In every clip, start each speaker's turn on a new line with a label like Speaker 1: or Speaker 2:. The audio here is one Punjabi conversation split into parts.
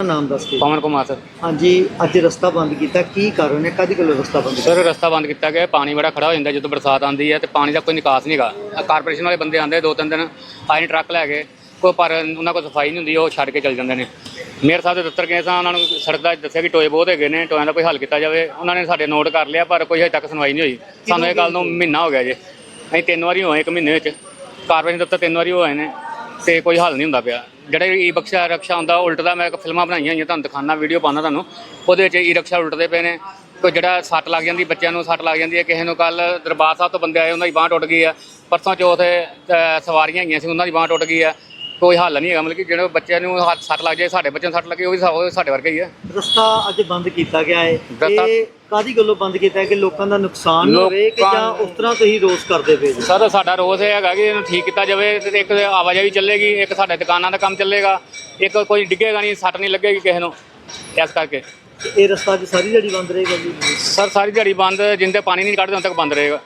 Speaker 1: नाम दस के?
Speaker 2: पवन कुमार सर।
Speaker 1: हाँ जी, अज रस्ता बंद किया, की कारण है, कद गलो रस्ता बंद
Speaker 2: सर रस्ता बंद किया गया, पानी बड़ा खड़ा हो जाता जो बरसात आती है तो पानी का कोई निकास नहीं गा। कारपोरेशन वाले बंदे आते 2-3 दिन आए ट्रक लैके कोई, पर उन्होंने कोई सफाई नहीं होंगी, वो छड़ के चल जाते हैं। मेयर साहब के दफ्तर गए सां, उन्होंने सड़क का दस्या कि टोए बहुत है ने, टोया का कोई हल किया जाए। उन्होंने साढ़े नोट कर लिया पर कोई अजे तक सुनवाई नहीं हुई। सानू ये गल महीना हो गया जे, अं 3 बारी होए 1 महीने में, कारपोरेशन दफ्तर 3 बारी होए ने तो कोई हल नहीं होंदा पिया। ਜਿਹੜਾ ई रिक्शा आਉਂਦਾ ਉਲਟਦਾ, मैं ਫਿਲਮਾਂ ਬਣਾਈਆਂ ਹੋਈਆਂ ਤੁਹਾਨੂੰ ਦਿਖਾਉਣਾ, ਵੀਡੀਓ ਪਾਉਣਾ ਤੁਹਾਨੂੰ, ਉਹਦੇ ਵਿੱਚ ई रिक्शा ਉਲਟਦੇ ਪਏ ਨੇ। ਕੋਈ ਜਿਹੜਾ ਸੱਟ ਲੱਗ ਜਾਂਦੀ, ਬੱਚਿਆਂ ਨੂੰ ਸੱਟ ਲੱਗ ਜਾਂਦੀ ਹੈ। ਕਿਸੇ ਨੂੰ ਕੱਲ ਦਰਬਾਰ ਸਾਹਿਬ ਤੋਂ ਬੰਦੇ ਆਏ, ਉਹਨਾਂ ਦੀ ਬਾਂਹ ਟੁੱਟ ਗਈ ਆ। ਪਰਸੋਂ ਚੌਥ ਸਵਾਰੀਆਂ ਹੈਗੀਆਂ ਸੀ, ਉਹਨਾਂ ਦੀ ਬਾਂਹ ਟੁੱਟ ਗਈ ਆ। ਕੋਈ ਹੱਲ नहीं है, मतलब कि ਜਿਹੜੇ ਬੱਚਿਆਂ ਨੂੰ ਸੱਟ ਲੱਗ ਜਾਏ, ਸਾਡੇ ਬੱਚਿਆਂ ਨੂੰ ਸੱਟ ਲੱਗੇ, ਉਹ ਵੀ ਸਾਡੇ ਵਰਗੇ ਹੀ ਹੈ।
Speaker 1: ਰਸਤਾ ਅੱਜ ਬੰਦ ਕੀਤਾ ਗਿਆ ਹੈ, ਇਹ ਕਾਦੀ ਗੱਲੋਂ ਬੰਦ ਕੀਤਾ ਹੈ ਕਿ ਲੋਕਾਂ ਦਾ ਨੁਕਸਾਨ ਹੋਵੇ ਕਿ ਜਾਂ ਉਸ ਤਰ੍ਹਾਂ ਤੁਸੀਂ ਰੋਸ ਕਰਦੇ ਪਏ ਜੀ?
Speaker 2: ਸਰ ਸਾਡਾ ਰੋਸ ਇਹ ਹੈਗਾ ਕਿ ਇਹਨੂੰ ਠੀਕ ਕੀਤਾ ਜਾਵੇ ਤੇ ਇੱਕ ਆਵਾਜਾਈ ਚੱਲੇਗੀ, ਇੱਕ ਸਾਡੇ ਦੁਕਾਨਾਂ ਦਾ ਕੰਮ ਚੱਲੇਗਾ, ਇੱਕ ਕੋਈ ਡਿੱਗੇਗਾ ਨਹੀਂ, ਸੱਟ ਨਹੀਂ ਲੱਗੇਗੀ ਕਿਸੇ ਨੂੰ। ਇਸ ਕਰਕੇ
Speaker 1: ਇਹ ਰਸਤਾ ਅੱਜ ਸਾਰੀ ਦਿਹਾੜੀ ਬੰਦ ਰਹੇਗਾ ਜੀ?
Speaker 2: ਸਰ ਸਾਰੀ ਦਿਹਾੜੀ ਬੰਦ, ਜਿੰਦੇ ਪਾਣੀ ਨਹੀਂ ਕੱਢਦੇ ਉਦੋਂ ਤੱਕ ਬੰਦ ਰਹੇਗਾ।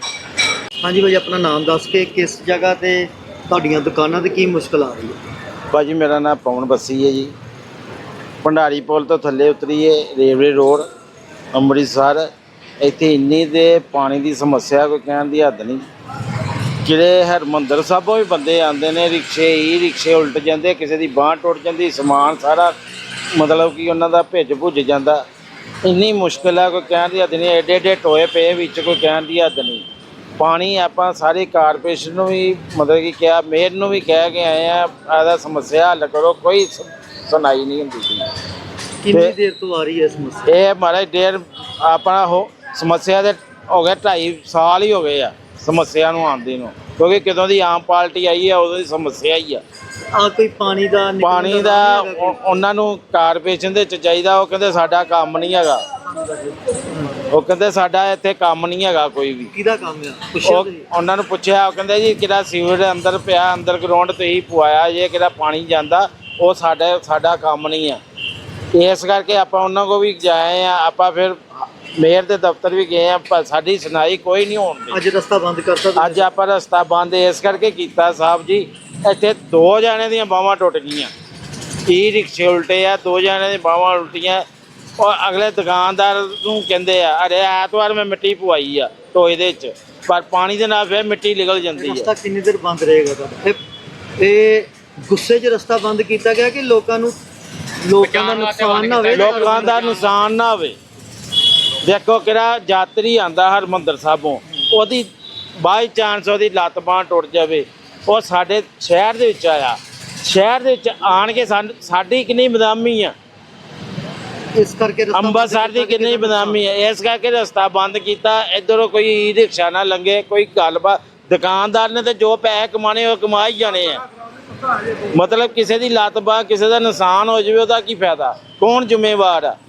Speaker 1: ਹਾਂਜੀ ਭਾਜੀ, ਆਪਣਾ ਨਾਮ ਦੱਸ ਕੇ ਕਿਸ ਜਗ੍ਹਾ ਤੇ ਤੁਹਾਡੀਆਂ ਦੁਕਾਨਾਂ ਤੇ ਕੀ ਮੁਸ਼ਕਲ ਆ ਰਹੀ ਹੈ?
Speaker 3: ਭਾਜੀ ਮੇਰਾ ਨਾਮ ਪਵਨ ਬੱਸੀ ਹੈ ਜੀ। ਭੰਡਾਰੀ ਪੁਲ ਤੋਂ ਥੱਲੇ ਉਤਰੀਏ ਰੇਲਵੇ ਰੋਡ ਅੰਮ੍ਰਿਤਸਰ, ਇੱਥੇ ਇੰਨੀ ਦੇ ਪਾਣੀ ਦੀ ਸਮੱਸਿਆ ਕੋਈ ਕਹਿਣ ਦੀ ਹੱਦ ਨਹੀਂ। ਜਿਹੜੇ ਹਰਿਮੰਦਰ ਸਾਹਿਬੋਂ ਵੀ ਬੰਦੇ ਆਉਂਦੇ ਨੇ, ਰਿਕਸ਼ੇ ਉਲਟ ਜਾਂਦੇ, ਕਿਸੇ ਦੀ ਬਾਂਹ ਟੁੱਟ ਜਾਂਦੀ, ਸਮਾਨ ਸਾਰਾ ਮਤਲਬ ਕਿ ਉਹਨਾਂ ਦਾ ਭਿੱਜ ਭੁੱਜ ਜਾਂਦਾ। ਇੰਨੀ ਮੁਸ਼ਕਿਲ ਹੈ ਕੋਈ ਕਹਿਣ ਦੀ ਹੱਦ ਨਹੀਂ। ਐਡੇ ਐਡੇ ਟੋਏ ਪਏ ਵਿੱਚ, ਕੋਈ ਕਹਿਣ ਦੀ ਹੱਦ ਨਹੀਂ। ਪਾਣੀ ਆਪਾਂ ਸਾਰੇ ਕਾਰਪੋਰੇਸ਼ਨ ਨੂੰ ਵੀ ਮਤਲਬ ਕਿ ਕਿਹਾ, ਮੇਅਰ ਨੂੰ ਵੀ ਕਹਿ ਕੇ ਆਏ ਆ, ਇਹਦਾ ਸਮੱਸਿਆ ਹੱਲ ਕਰੋ, ਕੋਈ ਸੁਣਾਈ ਨਹੀਂ ਹੁੰਦੀ ਸੀ।
Speaker 1: ਕਿੰਨੀ ਦੇਰ ਤੋਂ ਆ ਰਹੀ ਹੈ ਸਮੱਸਿਆ?
Speaker 3: ਇਹ ਮਹਾਰਾਜ ਡੇਢ ਆਪਣਾ ਉਹ ਸਮੱਸਿਆ ਦੇ ਹੋ ਗਿਆ, 2.5 ਸਾਲ ਹੀ ਹੋ ਗਏ ਆ ਸਮੱਸਿਆ ਨੂੰ ਆਉਂਦੀ ਨੂੰ, ਕਿਉਂਕਿ ਕਦੋਂ ਦੀ ਆਮ ਪਾਰਟੀ ਆਈ ਆ ਉਦੋਂ ਦੀ ਸਮੱਸਿਆ ਹੀ ਆ।
Speaker 1: ਕੋਈ ਪਾਣੀ ਦਾ
Speaker 3: ਉਹਨਾਂ ਨੂੰ ਕਾਰਪੋਰੇਸ਼ਨ ਦੇ ਚ ਚਾਹੀਦਾ। ਉਹ ਕਹਿੰਦੇ ਸਾਡਾ ਕੰਮ ਨਹੀਂ ਹੈਗਾ, ਉਹ ਕਹਿੰਦੇ ਸਾਡਾ ਇੱਥੇ ਕੰਮ ਨਹੀਂ ਹੈਗਾ ਕੋਈ ਵੀ।
Speaker 1: ਕਿਹਦਾ ਕੰਮ ਆ?
Speaker 3: ਉਹਨਾਂ ਨੂੰ ਪੁੱਛਿਆ, ਉਹ ਕਹਿੰਦੇ ਜੀ ਕਿਹੜਾ ਸੀਵਰ ਅੰਦਰ ਪਿਆ, ਅੰਦਰ ਗਰਾਊਂਡ ਤੁਸੀਂ ਪਵਾਇਆ ਜੇ, ਕਿਹੜਾ ਪਾਣੀ ਜਾਂਦਾ, ਉਹ ਸਾਡਾ ਕੰਮ ਨਹੀਂ ਆ। ਇਸ ਕਰਕੇ ਆਪਾਂ ਉਹਨਾਂ ਕੋਲ ਵੀ ਜਾਏ ਆ, ਆਪਾਂ ਫਿਰ ਮੇਅਰ ਦੇ ਦਫ਼ਤਰ ਵੀ ਗਏ ਆ, ਪਰ ਸਾਡੀ ਸੁਣਾਈ ਕੋਈ ਨਹੀਂ ਹੋਣ ਦੀ।
Speaker 1: ਅੱਜ ਰਸਤਾ ਬੰਦ ਕਰਤਾ? ਅੱਜ
Speaker 3: ਆਪਾਂ ਰਸਤਾ ਬੰਦ ਇਸ ਕਰਕੇ ਕੀਤਾ ਸਾਹਿਬ ਜੀ, ਇੱਥੇ 2 ਜਣਿਆਂ ਦੀਆਂ ਬਾਹਾਂ ਟੁੱਟ ਗਈਆਂ, ई ਰਿਕਸ਼ੇ ਉਲਟੇ ਆ, 2 ਜਣਿਆਂ ਦੀਆਂ ਬਾਹਾਂ ਉਲਟੀਆਂ। ਔਰ ਅਗਲੇ ਦੁਕਾਨਦਾਰ ਨੂੰ ਕਹਿੰਦੇ ਆ, ਅਰੇ ਐਤਵਾਰ ਮੈਂ ਮਿੱਟੀ ਪਵਾਈ ਆ ਟੋਏ ਦੇ ਵਿੱਚ, ਪਰ ਪਾਣੀ ਦੇ ਨਾਲ ਫਿਰ ਮਿੱਟੀ ਨਿਕਲ ਜਾਂਦੀ ਹੈ।
Speaker 1: ਰਸਤਾ ਕਿੰਨੀ ਦੇਰ ਬੰਦ ਰਹੇਗਾ ਤੁਹਾਡਾ? ਇਹ ਗੁੱਸੇ 'ਚ ਰਸਤਾ ਬੰਦ ਕੀਤਾ ਗਿਆ ਕਿ ਲੋਕਾਂ ਦਾ ਨੁਕਸਾਨ ਨਾ ਹੋਵੇ?
Speaker 3: ਲੋਕਾਂ ਦਾ ਨੁਕਸਾਨ ਨਾ ਹੋਵੇ। ਦੇਖੋ ਕਿਹੜਾ ਯਾਤਰੀ ਆਂਦਾ ਹਰਿਮੰਦਰ ਸਾਹਿਬੋਂ, ਉਹਦੀ ਬਾਈ ਚਾਂਸ ਉਹਦੀ ਲੱਤ ਬਾਂਹ ਟੁੱਟ ਜਾਵੇ, ਉਹ ਸਾਡੇ ਸ਼ਹਿਰ ਦੇ ਵਿੱਚ ਆਇਆ, ਸ਼ਹਿਰ ਦੇ ਵਿੱਚ ਆਣ ਕੇ ਸਾਡੀ ਕਿੰਨੀ ਬਦਨਾਮੀ ਆ,
Speaker 1: ਇਸ ਕਰਕੇ
Speaker 3: ਅੰਮ੍ਰਿਤਸਰ ਦੀ ਕਿੰਨੀ ਬਦਨਾਮੀ ਹੈ। ਇਸ ਕਰਕੇ ਰਸਤਾ ਬੰਦ ਕੀਤਾ। ਇੱਧਰੋਂ ਕੋਈ ਈ ਰਿਕਸ਼ਾ ਨਾ ਲੰਘੇ, ਕੋਈ ਗੱਲਬਾਤ। ਦੁਕਾਨਦਾਰ ਨੇ ਤੇ ਜੋ ਪੈਸੇ ਕਮਾਣੇ ਉਹ ਕਮਾ ਹੀ ਜਾਣੇ ਆ। ਮਤਲਬ ਕਿਸੇ ਦੀ ਲੱਤ ਬਾਂਹ, ਕਿਸੇ ਦਾ ਨੁਕਸਾਨ ਹੋ ਜਾਵੇ, ਉਹਦਾ ਕੀ ਫਾਇਦਾ? ਕੌਣ ਜ਼ਿੰਮੇਵਾਰ ਆ?